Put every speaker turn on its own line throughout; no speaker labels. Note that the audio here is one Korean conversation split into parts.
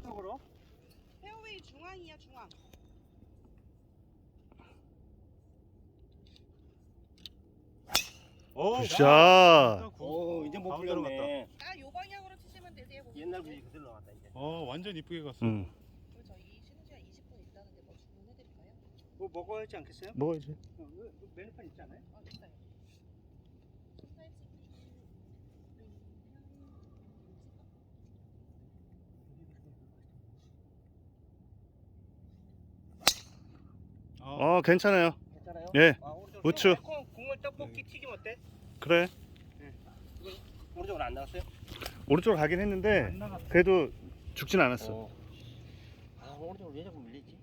쪽으로.
페어웨이 중앙이야 중앙.
굿샷.
오, 이제 못 풀렸네.
요 방향으로 치시면 되세요. 고객님.
옛날 분이 그대로 나왔다 이제.
완전 이쁘게 갔어.
그리고 저희 쉬는 시간 20분 있다는데 뭐 주문해드릴까요?
뭐 먹어야 하지 않겠어요?
먹어야지.
메뉴판 있지 않아요?
있어요.
괜찮아요.
괜찮아요?
예.
오른쪽
우측.
국물 떡볶이 튀김 어때?
그래.
오른쪽으로 안 나갔어요?
오른쪽으로 가긴 했는데 그래도 죽진 않았어.
오른쪽으로 왜 자꾸 밀리지?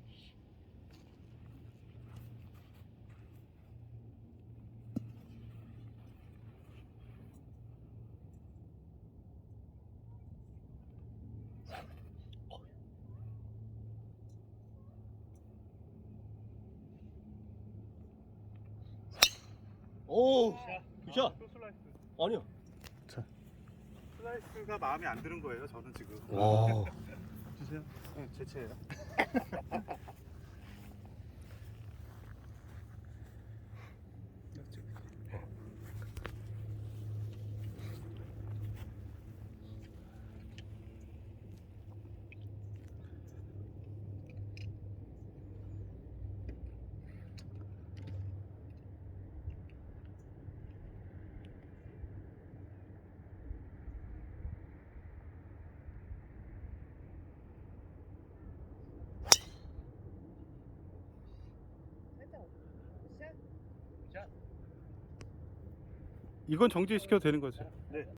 오, 굿샷.
슬라이스.
아니요.
슬라이스가 마음에 안 드는 거예요. 저는 지금.
와.
주세요. 네, 제 채예요. 이건 정지시켜도 되는 거죠?
네.